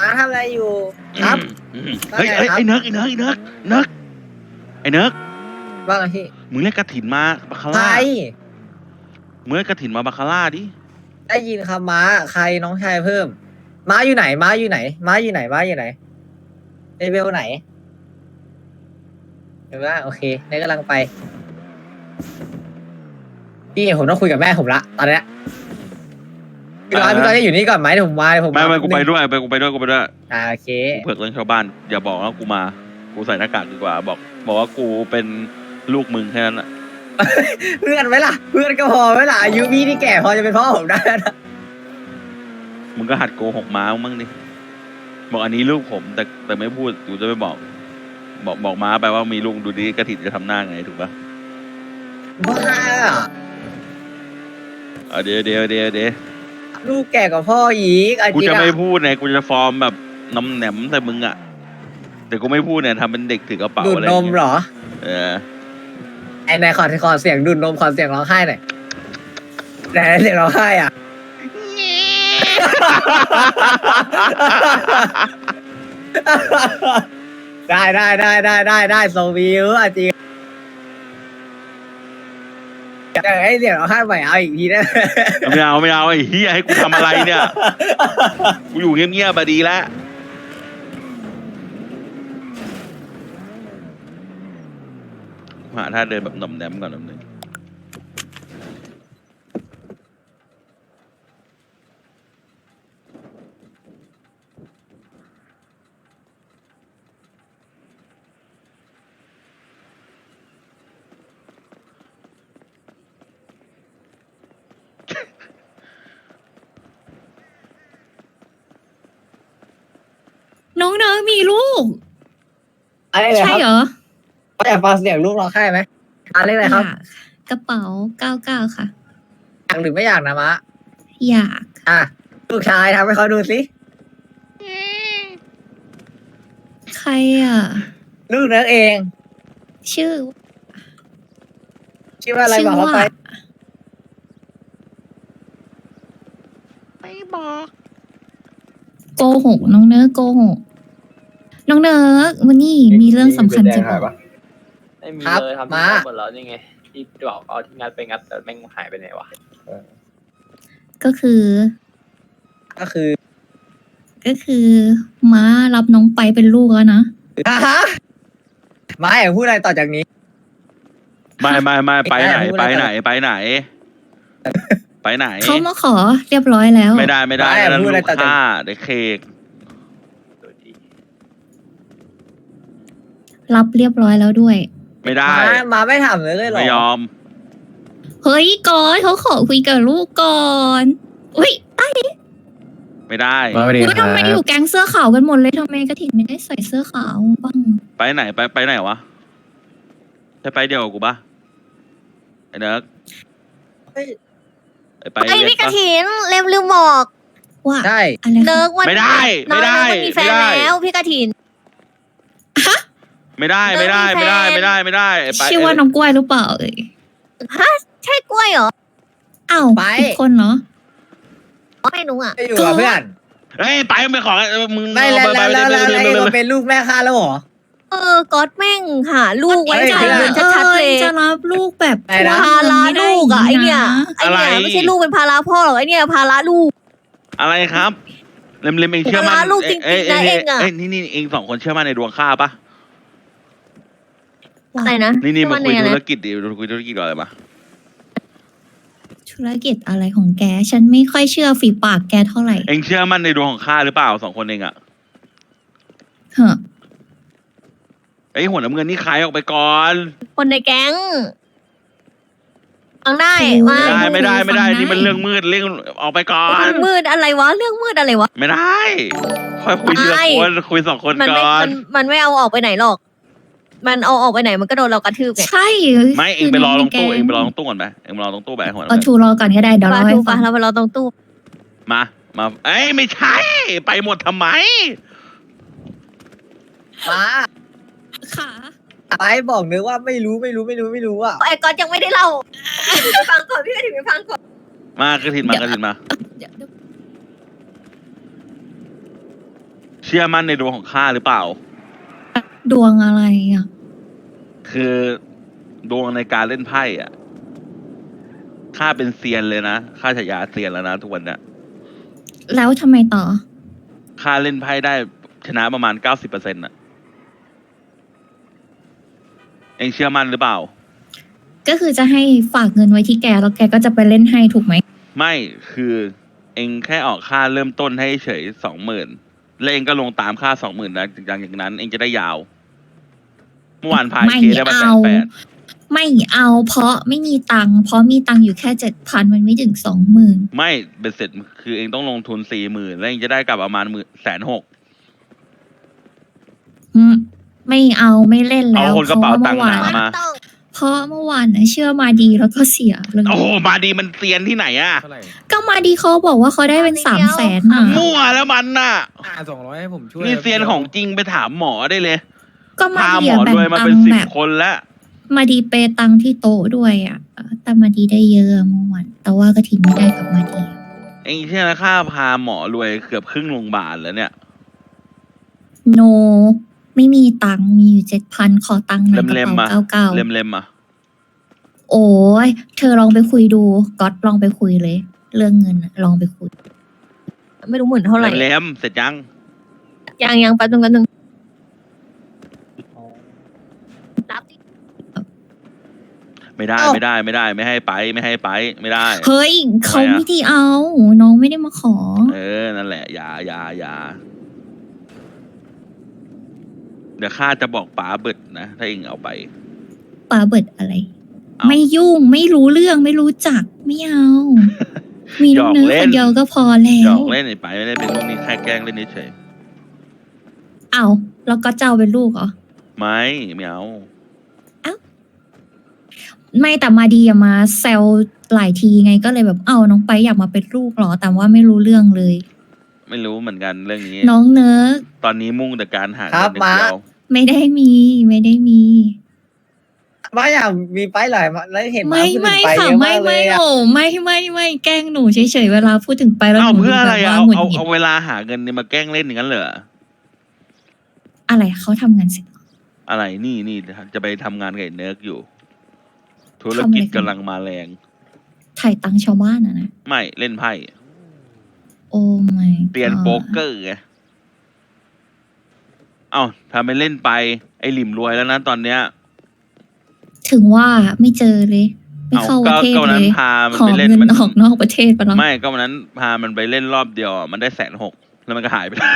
มาทำอะไรอยู่ครับเฮ้ยไอ้เนิร์กไอ้เนิร์กว่าไงพี่มึงเรียกกระถินมาบาคาใครร่ามึงเรียกกระถินมาบาคาร่าดิได้ยินคำม้าใครน้องชายเพิ่ม ม้าอยู่ไหนม้าอยู่ไหนม้าอยู่ไหนม้าอยู่ไหนเลเวลไหนเห็นว่าโอเคนี่กำลังไปพี่ผมต้องคุยกับแม่ผมละตอนเนี้ยพี่ร้อยจะอยู่นี่ก่อนไหมเดี๋ยวผมมาไม่กูไปด้วยกูไปด้วยโอเคกูเผือกเรื่องชาวบ้านอย่าบอกว่ากูมากูใส่หน้ากากดีกว่าบอกว่ากูเป็นลูกมึงแค่นั้นแหละเพื่อนไหมล่ะเพื่อนก็พอไหมล่ะอายุพี่นี่แก่พอจะเป็นพ่อผมได้นะมึงก็หัดโกหกม้ามั่งดิบอกอันนี้ลูกผมแต่ไม่พูดกูจะไม่บอกม้าไปว่ามีลูกดูดิกระถินจะทำหน้าไงถูกปะบ้าเดี๋ยวลูกแก่กว่าพ่ออีกกูจะไม่พูดไงกูจะฟอร์มแบบน้ำแหนมแต่มึงอ่ะแต่กูไม่พูดเนี่ยทำเป็นเด็กถือกระเป๋าดูดอะไรนมเหรอ ไอ้นายขอเสียงดูดนมขอเสียงร้องไห้หน่อยไหนเสียงร้องไห้อ่ะ ได้โซวิวอ่ะจริงอยากให้เสียงร้องไห้ใหม่เอาอีกทีได้ไหมไม่เอาไอ้เฮียให้กูทำอะไรเนี่ยกูอยู่เงียบๆมาดีแล้วหาท่าเดินแบบหน่อมแนมก่อนนึงน้องเนยมีลูกอะไรเลยคใช่รับเหรออยากฟังเสียงลูกร้องไห้ไหมอะไรเลยครับอยากกระเป๋า99ค่ะอยากหรือไม่อยากนะมะอยากอ่ะลูกชายทำให้เขาดูสิใครอ่ะลูกเนื้อเองชื่อชื่อว่าอะไรบอกเขาไปไม่บอกโกหกน้องเนิร์กโกหกน้องเนิร์กวันนี้มีเรื่องสำคัญจะบอกไม่มีครับเลยทำที่มางัดหมดแล้วนี่ไงที่บอกเอาที่งัดไปงัดแต่แม่งหายไปไหนวะก็คือก็คือม้ารับน้องไปเป็นลูกแล้วนะฮะมาอยากพูดอะไรต่อจากนี้ไม่ไปไหนไม่ได้เขามาขอเรียบร้อยแล้วไม่ได้ไม่นั่นพูลูดอะไรกต่อจากค้าเด็กเคกดูดีรับเรียบร้อยแล้วด้วยไม่ได้มาไม่ถามเลยเหรอไม่ยอมเฮ้ยก่อนเขาขอคุยกับลูกก่อนอุ้ยไม่ได้อุ๊ยทำไมอยู่แก๊งเสื้อขาวกันหมดเลยทำไมกระถิ่นไม่ได้ใส่เสื้อขาวบ้างไปไหนไปไหนวะจะไปเดียวกับกูปะไอ้เนิร์กเฮ้ยไปไอ้เรียพี่นกระปะถินลืมบอกว่าใช่อะไรเนิคะร์กวันไม่ได้น้องไม่ได้เนิร์กมันมีแฟนไม่ได้แล้วพี่กระถินไม่ได้เนิร์กมีแฟนไม่ได้ไปชื่อว่าน้องกล้วยหรือเปล่าเอ่ยใช่กล้วยเหรออ้าวไปผิดคนเหรอไม่รู้อ่ะไปอยู่กับเพื่อนเฮ้ยไปไม่ขอมึงไม่แล้วเองมาเป็นลูกแม่ข้าแล้วเหรอก๊อตแม่งหาลูกไว้เฮ้ยจ่ายเงินชัดๆเลยจะรับลูกแบบไหนนะภาระลูกอ่ะไอเนี่ยม่ด้ไม่ใช่ลูกเป็นภาระพ่อหรอกไอเนี่ยภาระลูกอะไรครับเล็มเองเชื่อมั่นภาระลูกจริงๆนะเองอะนี่เองสองคนเชื่อมั่นในดวงข้าปะอะไรนะนี่มาคุยชื่อว่าธุไงรนะกิจดิคุยธุรกิจก่อนเลยมาธุรกิจอะไรของแก ฉันไม่ค่อยเชื่อฝีปากแกเท่าไหร่เองเชื่อมั่นในดวงของข้าหรือเปล่าสองคนเองอะเหอะไอ้หัวน้ำเงินนี่ขายออกไปก่อนคนในแก๊งฟังได้มาไม่ได้นี่มันเรื่องมืดเรื่องออกไปก่อนเรื่องมืดอะไรวะเรื่องมืดอะไรวะไม่ได้ค่อยคุยทีละคนคุยสองคนมันก่ไม่อนมันไม่เอาออกไปไหนหรอก มันเอาออกไปไหนมันก็โดนเรากระทืบไงใช่ไม่เองไปรอตรงตู้เองไปรอตรงตู้ก่อนไปเองไปรอตรงตู้แบบหัวเอาชูรอก่อนก็ได้เดี๋ยวปเราลาให้ทูปฟัลาง เราไปรอตรงตู้มาเอ้ยไม่ใช่ ไปหมดทำไมมาค่ะไปบอกนึกว่าไม่รู้อ่ะไอ้ก๊อตยังไม่ได้เล่าไปฟังก่อนพี่กระถิ่นไปฟังก่อนมากระถินมาชื่อมั่นในดวงของข้าหรือเปล่าดวงอะไรอ่ะคือดวงในการเล่นไพ่อ่ะข้าเป็นเซียนเลยนะข้าฉายาเซียนแล้วนะทุกวันเนี้ยแล้วทำไมต่อข้าเล่นไพ่ได้ชนะประมาณ90%อ่ะเองเชื่อมั่นหรือเปล่าก็คือจะให้ฝากเงินไว้ที่แกแล้วแกก็จะไปเล่นให้ถูกไหมไม่คือเองแค่ออกค่าเริ่มต้นให้เฉย20,000แล้วเองก็ลงตามค่า20,000นะจากนั้นเองจะได้ยาวเมื่อวานพายไม่เคได้มาเอา 180,000 ไม่เอาเพราะไม่มีตังค์เพราะมีตังค์อยู่แค่7,000มันไม่ถึง20,000 ไม่เป็นเสร็จคือเองต้องลงทุน40,000แล้วเองจะได้กลับประมาณ160,000 ไม่เอาไม่เล่นแล้วเอาคนกระเป๋าตังค์หนามาเพราะเมื่อวานนะเชื่อมาดีแล้วก็เสียเรื่องโอ้โหมาดีมันเซียนที่ไหนอะเท่าไหร่ก็มาดีเขาบอกว่าเขาได้เป็น300,000น่ะมั่วแล้วมันน่ะ 200ให้ผมช่วยนี่เซียนของจริงไปถามหมอได้เลยก็มาพาดีหมออะแบ่รงวยมาตังเป็นค์ 10 แบบคนแล้วมาดีเปย์ตังค์ที่โต๊ะด้วยอ่ะแต่มาดีได้เยอะเมื่อวานแต่ว่าก็ทิ้งไม่ได้กับมาดีเองเชื่อนะค่าพาหมอรวยเกือบครึ่งโรงพยาบาลแล้วเนี่ยโน ไม่มีตังค์มีอยู่7,000ขอตังค์ในกระเล่มๆเป๋ามาเก่าเล่มๆอ่ะๆโอ้ยเธอลองไปคุยดูก๊อตลองไปคุยเลย เรื่องเงินอะลองไปคุยไม่รู้หมื่นเท่าไหร่เล่มๆเสร็จยังยังแป๊บนึงรับดิไม่ได้เอ้าไม่ได้ไม่ได้ไม่ให้ไปไม่ได้เฮ้ยเขาทำไมอะไม่ได้เอา น้องไม่ได้มาขอเออนั่นแหละอย่าเดี๋ยวข้าจะบอกป๋าเบิดนะถ้าเองเอาไปปาเบิดอะไรเอาไม่ยุ่งไม่รู้เรื่องไม่รู้จักไม่เอา มีหยน้ออง กเนื้อเล่คน นเดียวก็พอแล้หยอวกเล่นไอ้ไปไม่ได้เป็นลูกนี้แค่แกล้งเล่นเฉยเอาแล้วก็เจ้าเป็นลูกเหรอๆไม่เอาไม่แต่มาดีอะมาแซวหลายทีไงก็เลยแบบเอ้าน้องไปอยากมาเป็นลูกเหรอ แต่ว่าไม่รู้เรื่องเลยไม่รู้เหมือนกันเรื่องนี้น้องเนื้อตอนนี้มุ่งแต่การหาครัเงิบนอย่างเดียวไม่ได้มีไม่ได้มีว่าอยากมีไปหลายมาแล้วเห็นไม่พูดถึงไม่ไปค่ะเยอะไม่มากเลไม่ยอะโอ้ไม่แกล้งหนูเฉยๆเวลาพูดถึงไปแล้วเอาหนูเพื่ออะไรแบบอะว่าหงุดเอาหงิดเอาเวลาหาเงินเนี่ยมาแกล้งเล่นอย่างนั้นเหรออะไรเขาทำงานเสร็จอะไรนี่จะไปทำงานกับไอ้เนิร์กอยู่ ธุรทำอะไรกิจกันกำลังมาแรงถ่ายตังค์ชาวบ้านอะนะไม่เล่นไพ่โอ้ไม่เปลี่ยนโป๊กเกอร์ไงเอ้าทำไปเล่นไปไอ้หลิมรวยแล้วนะตอนเนี้ยถึงว่าไม่เจอเลย ไม่เข้าประเทศก็วันเลนั้นยพามันขอไปเล่นเงินมันออกนอกประเทศไปแล้วไม่ก็วันนั้นพามันไปเล่นรอบเดียวอะมันได้160,000แล้วมันก็หายไปเลย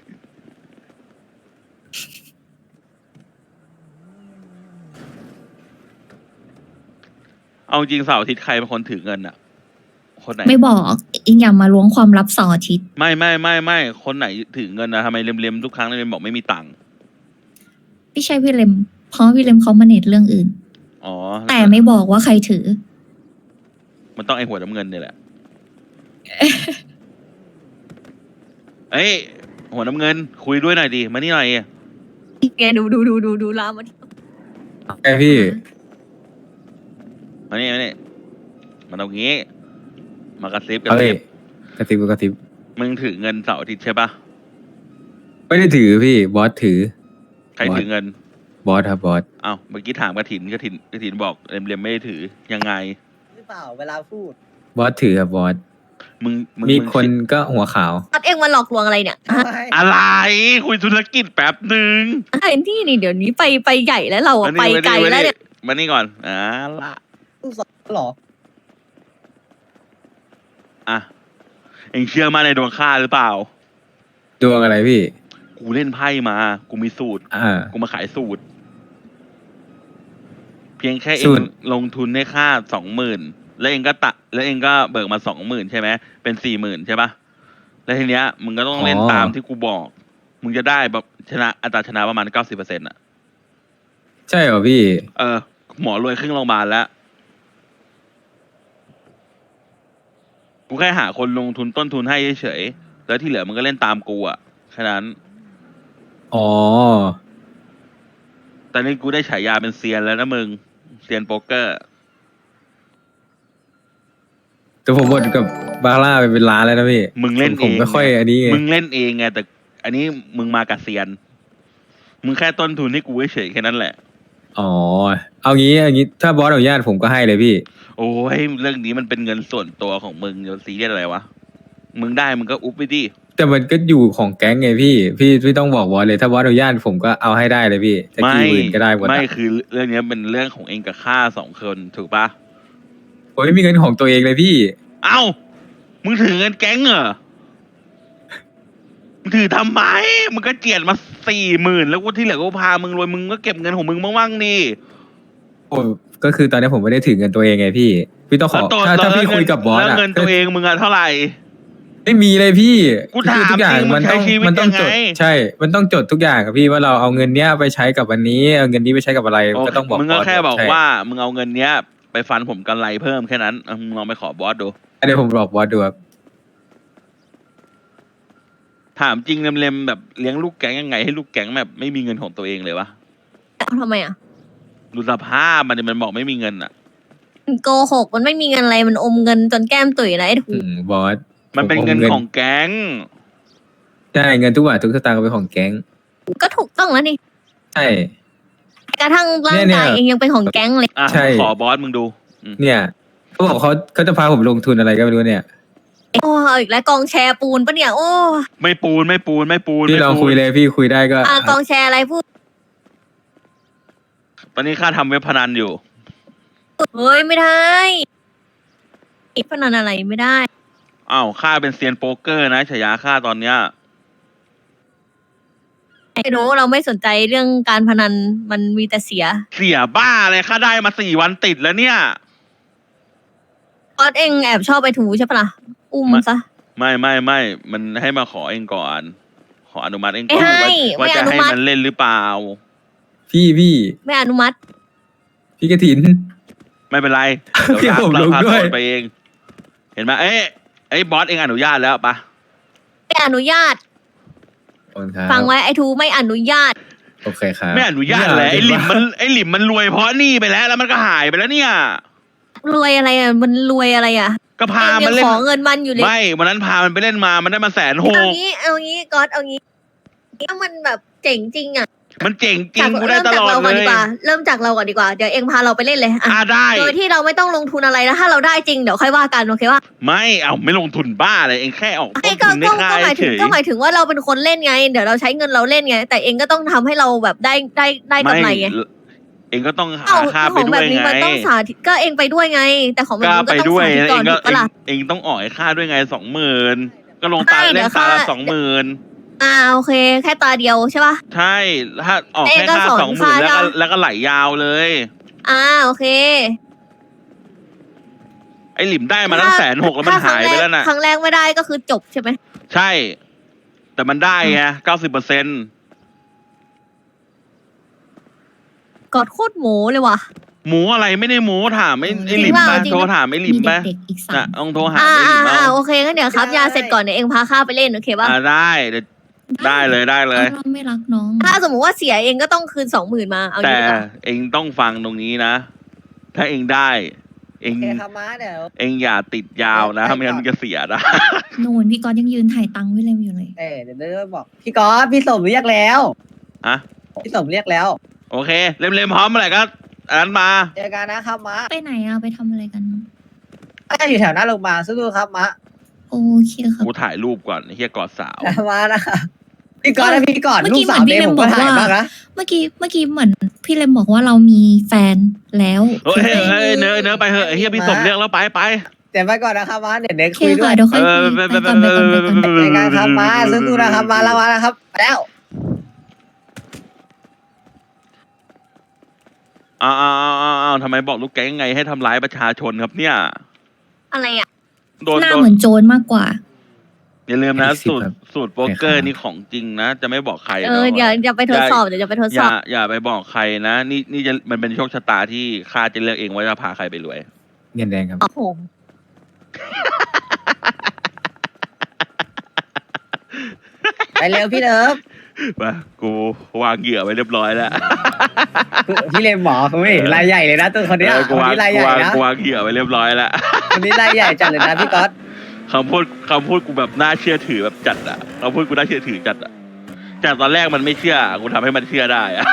เอาจริงเสาร์อาทิตย์ใครเป็นคนถือเงินอะคนไหนไม่บอกอิงอย่ามาล้วงความลับเสาร์อาทิตย์ไม่คนไหนถือเงินนะทำไมเล็มๆทุกครั้งเล็มบอกไม่มีตังค์ไม่ใช่พี่เลมเพราะพี่เลมเขามาเน็ตเรื่องอื่นอ๋อแต่ไม่บอกว่าใครถือมันต้องไอหัวน้ำเงินเนี่ยแหละ เอ้ยหัวน้ำเงิน คุยด้วยหน่อยดิมานี่หน่อยแกดูลามาที่ไอพี่มานี่มันเอางี้ มากระซิบเอาเลยกระซิบกระซิบมึงถือเงินเสาร์อาทิตย์ใช่ปะไม่ได้ถือพี่บอสถือใครถือเงินบอสครับบอสเอ้าเมื่อกี้ถามกระถินบอกเล็มไม่ได้ถือยังไงหรือเปล่าเวลาพูดบอสถือครับบอสมึงมีคนก็หัวขาวตัดเองมาหลอกลวงอะไรเนี่ยฮะอะไร คุยธุรกิจแป๊บหนึ่งไอ้ที่นี่เดี๋ยวนี้ไปใหญ่แล้วเราอะไปไกลแล้วเนี่ยมานี่ก่อนละลูกสาวเหรออ่ะเอ็งเชื่อมาในดวงข้าหรือเปล่าดวงอะไรพี่กูเล่นไพ่มา กูมีสูตร กูมาขายสูตร เพียงแค่เอสูงตรลงทุนให้ค่า20,000แล้วเองก็เบิกมา20,000ใช่ไหมเป็น40,000ใช่ปะแล้วทีเนี้ยมึงก็ต้องเล่นตามที่กูบอก มึงจะได้แบบชนะอัตราชนะประมาณ90%อ่ะใช่เหรอพี่หมอรวยครึ่งโรงพยาบาลแล้ว กูแค่หาคนลงทุนต้นทุนให้เฉยๆแล้วที่เหลือมึงก็เล่นตามกูอ่ะแค่นั้นอ๋อตอนนี้กูได้ฉายาเป็นเซียนแล้วนะมึง เซียนโป๊กเกอร์แต่ผมหมดกับบาร่าไปเป็นล้านแล้วนะพี่มึงเล่นผมเองไม่ค่อยอันนี้ไงมึงเล่นเองไงแต่อันนี้มึงมากับเซียน มึงแค่ต้นทุนให้กูเฉยๆแค่นั้นแหละอ๋อ เอางี้ถ้าบอสอนุญาตผมก็ให้เลยพี่โอ้ยเรื่องนี้มันเป็นเงินส่วนตัวของมึงจะซีเรียสอะไรวะ มึงได้มึงก็อุ๊บไปดิแต่มันก็อยู่ของแก๊งไงพี่ต้องบอกบอสเลยถ้าบอสอนุญาตผมก็เอาให้ได้เลยพี่จะไม่กี่หมื่นก็ได้หมดไม่อะคือเรื่องนี้เป็นเรื่องของเองกับข้าสองคนถูกปะผมไม่มีเงินของตัวเองเลยพี่เอ้า มึงถือเงินแก๊งเหรอ มึงถือทำไม มึงก็เจียดมา40,000แล้วกูที่เหลือกูพามึงรวยมึงก็เก็บเงินของมึงบ้างๆนี่ผมก็คือตอนนี้ผมไม่ได้ถือเงินตัวเองไงพี่ต้องขอแล้วตัวถ้าพี่คุยกับบอสแล้วอะเงินตัวเองมึงอะเท่าไหร่ไม่มีเลยพี่กูถามคือทุกอย่างจริงมันต้องมึงใช้ชีวิตมันต้องยังจไงดใช่ มันต้องจดทุกอย่างครับพี่ว่าเราเอาเงินเนี้ยไปใช้กับวันนี้เอาเงินนี้ไปใช้กับอะไรก็ต้องบอกมึงก็บอสแค่บอกใช่ว่า มึงเอาเงินเนี้ย ไปฟันผมกำไรเพิ่มแค่นั้นมึงลองไปขอบอสดูเดี๋ยวผมบอกบอสดูครับถามจริงเล็มๆแบบเลี้ยงลูกแก๊งยังไงให้ลูกแก๊งแบบไม่มีเงินของตัวเองเลยวะทำไมอ่ะดูสภาพมันบอกไม่มีเงินอ่ะมันโกหกมันไม่มีเงินอะไรมันอมเงินจนแก้มตุ๋ยนะไอ้ถูกบอสมันเป็นเงินผมของแก๊งใช่เงินทุกบาททุกสตางค์ก็เป็นของแก๊งก็ถูกต้องแล้วนี่ใช่กระทั่งร่างเนี่กายยเองยังเป็นของแก๊งเลยอ่ะใช่ขอบอสมึงดูเนี่ยเขาบอกเขาจะพาผมลงทุนอะไรก็ไม่รู้เนี่ยโอ้เอาอีกแล้วกองแชร์ปูนปะเนี่ยโอ้ไม่ปูนพี่ลองคุยเลยพี่คุยได้ก็กองแชร์อะไรพูดตอนนี้ข้าทำเว็บพนันอยู่เฮ้ยไม่ได้พนันอะไรไม่ได้อ้าวข้าเป็นเซียนโป๊กเกอร์นะฉายาข้าตอนเนี้ยไม่รู้เราไม่สนใจเรื่องการพนันมันมีแต่เสียเสียบ้าเลยข้าได้มา4 วันติดแล้วเนี่ยออสเองแอบชอบไปถูใช่ปะล่ะอุ้มซะไม่มันให้มาขอเองก่อน ขออนุมัติเองก่อนไม่ให้ว่าจะไม่อนุให้มัติมันเล่นหรือเปล่าพี่ไม่อนุมัติพี่กระถินไม่เป็นไรเดี๋ยวผมลงพาด้วยโอนไปเอง เห็นไหมไอ้บอสเองอนุญาตแล้วปะไม่อนุญาตขอบคุณครับฟังไว้ไอ้ทูไม่อนุญาตโอเคครับไม่อนุญาตเลยไอ้หลิมมันรวยเพราะหนี่ไปแล้วมันก็หายไปแล้วเนี่ยรวยอะไรอ่ะมันรวยอะไรอ่ะก็พาเองมัยันงเล่นขอเงินมันอยู่เลยไม่วันนั้นพามันไปเล่นมามันได้มา160,000 เอางี้ก๊อตเอางี้ถ้ามันแบบเจ๋งจริงอ่ะมันเจ๋งจริจาง กกูได้เริ่มตจากลอดเราเลก่อนดียกว่า เริ่มจากเราก่อนดีกว่าเดี๋ยวเองพาเราไปเล่นเลยอ่ะได้โดยที่เราไม่ต้องลงทุนอะไรนะถ้าเราได้จริงเดี๋ยวค่อยว่ากันโอเคว่าไม่ลงทุนบ้าเลยเองแค่ออกไอ้ต้นก็ทุนให้ก็ค่าหมายเฉถึงยก็หมายถึงว่าเราเป็นคนเล่นไง เดี๋ยวเราใช้เงินเราเล่นไง แต่เองก็ต้องทำให้เราแบบได้กำไรไงเองก็ต้องหาเอ้าค่าขไปองด้แบวยบนี้ไงมันต้องสาธิตก็เองไปด้วยไง แต่ของแบบก็นี้ก็ไปต้องด้วยสาธิตก่อนเองก็ถูกปะล่ะเองต้องออกให้ค่าด้วยไง20,000ก็ลงตาใช่เล่นเดี๋ยวตาละค่า 20,000 โอเค แค่ตาเดียวใช่ปะใช่ถ้าออกเองแค่ก็ค่าสอน 20,000 ค่าแล้วก็ใช่แล้วก็ไหลยาวเลยโอเคไอ้หลิมได้มาตั้ง160,000แล้วมันหายไปแล้วน่ะครั้งแรกไม่ได้ก็คือจบใช่ไหมใช่ แต่มันได้ไง90% กอดโคตรโหมเลยว่ะหมูอะไรไม่ได้หมูถามไอ้หลิมจริงเปไปล่าจริงโทรถามไอ้หลิมมีไปเด็กๆอีกน่ะ 3 ต้องโทรหาไอ้หลิมเอาโอเคงั้นเดี๋ยวครับยาเสร็จก่อนเดี๋ยวเองพาข้าไปเล่นโอเคป่ะได้เดี๋ยวได้เลยเราไม่รักน้องถ้าสมมติว่าเสียเองก็ต้องคืน20,000มาเอาอแต่ย่างนี้ดีกว่าเองต้องฟังตรงนี้นะ ถ้าเองได้ เองโอเคครับม้าเดี๋ยวเองอย่าติดยาวนะไม่งั้นมึงจะเสียนะนู่นพี่กอนยังยืนถ่ายตังค์ไว้เลยอยู่เลยเดี๋ยวเดี๋ยวบอกพี่ก๊อฟพี่สมเรียกแล้วอะพี่สมเรียกแล้วโอเค เล่มๆพร้อมเมื่อไหร่ก็อันนั้นมาเจอกันนะครับม้าไปไหนอะไปทำอะไรกันก็อยู่แถวหน้าโรงพยาบาลสู้ๆครับม้าโอเคครับกูถ่ายรูปก่อนไอ้เฮียกอดสาวม้านะคะพี่ก๊อฟและพี่ก่อนเมื่อลูกี้กสาวเหมือนพี่เมย์ผมเลมบก็อกถ่ายว่าบ้างนะเมื่อกี้เหมือนพี่เลมบอกว่าเรามีแฟนแล้วเฮ้ยเนื้อไปเหอะไอ้เฮียพี่สมเรียกแล้วไปเดี๋ยวไปก่อนนะครับม้าเดี๋ยวเน็กโอเคคุยด้วยค่ะเดี๋ยวค่อยคุยไปก่อนไปก่อนไปก่อนเจอกันครับม้าสู้ๆนะครับม้าละวันนะครับไปแล้วอ้าวทำไมบอกลูกแก๊งไงให้ทำร้ายประชาชนครับเนี่ยอะไรอ่ะโดนหน้าเหมือนโจรมากกว่าอย่าลืมนะสิบครับสูตรโป๊กเกอร์นี่ของจริงนะ จะไม่บอกใครนะอย่าไปทดสอบเดี๋ยวจะไปทดอสอย่าบอย่าไปบอกใครนะ นี่จะมันเป็นโชคชะตาที่ข้าจะเลือกเองว่าจะพาใครไปรวยเงินแดงครับโอ้โหไปเร็วพี่เลิฟมากูวางเหยื่อไว้เรียบร้อยแล้วพี่เลมหมอเขาไม่รายใหญ่เลยนะตัวคนเนี้ยกูคนวางนี้รายใหญ่นะกูวางเหยื่อไว้เรียบร้อยแล้วคนนี้รายใหญ่จัดเลยนะพี่ก๊อตคำพูดกูแบบน่าเชื่อถือแบบจัดอะคำพูดกูน่าเชื่อถือจัดอะจากตอนแรกมันไม่เชื่อกูทำให้มันเชื่อได้อะ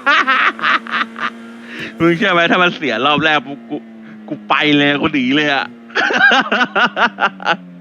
มึงเชื่อไหมถ้ามันเสียรอบแรกปุ๊บกูไปเลยกูหนีเลยอะ